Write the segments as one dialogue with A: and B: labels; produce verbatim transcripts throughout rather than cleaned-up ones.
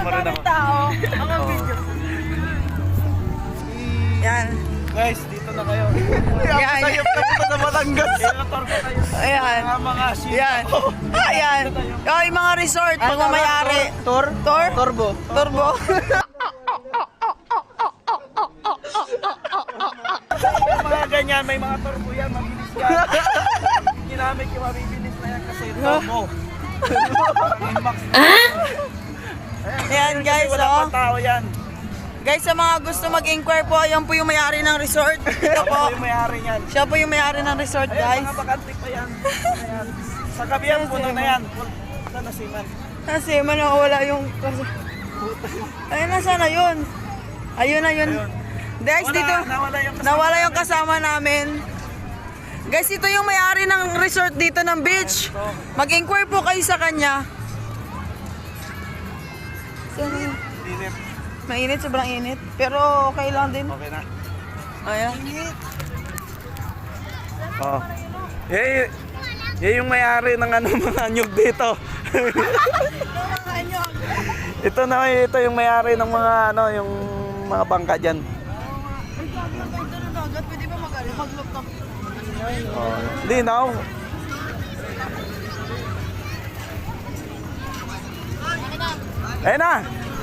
A: mo rin ako.
B: tao. Ako video. Yan.
A: Guys, dito na kayo.
B: Yan.
A: Tayo pa sa Batangas. Ilator ko kayo.
B: Ayan.
A: Mga mga shit.
B: Yan. Ayan. Oh, yung mga resort, pagmamayari.
A: Tor?
B: Tor?
A: Turbo.
B: Turbo.
A: Mga ganyan, may mga turbo yan, mabilis yan. Ginamit yung mabibilis na yan kasi turbo.
B: Ayan guys,
A: Wala
B: oh.
A: pa tao yan.
B: Guys, sa mga gusto mag-inquire po, yan po yung may-ari ng resort. Ito
A: Ako
B: po.
A: yung may-ari yan.
B: Siya po yung may-ari ng resort,
A: Ayun,
B: guys.
A: mga bakante pa yan. Ayan. Sa kabihan, puno na yan. Saan na siman?
B: Kasi man wala yung... Ayun na sana yun. Ayun na yun.
A: Ayun.
B: Guys,
A: Wala,
B: dito
A: nawala yung kasama.
B: nawala yung kasama namin. Guys, ito yung may-ari ng resort dito ng beach. Mag-inquire po kayo sa kanya. Saan yun?
A: Dinit.
B: Mainit, sobrang init. Pero okay lang din.
A: Okay na.
B: Ayan.
A: Oh. Yan, yan yung may-ari ng ano, mga nyug dito. Ito na, ito yung may-ari ng mga ano, yung mga bangka diyan.
B: Pwede ba mag-laptop?
A: Oh. Linaw. Ayun na.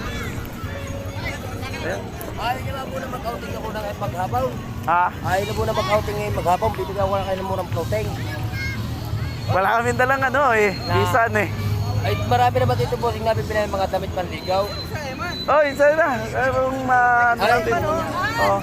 A: Ayun.
C: Ayaw niyo na muna mag-outing ako ng maghabaw.
A: Ha?
C: Ayaw na muna mag-outing ngayon maghabaw. Bibigyan ko na kayo ng murang floating.
A: Wala kami dalang ano eh. Bisan eh.
C: Ay, marami naman dito po. Tingnan namin pinay mga damit panligaw.
A: Oh, isa na. Kung ma... ano
C: Ay,
A: natin. Oh.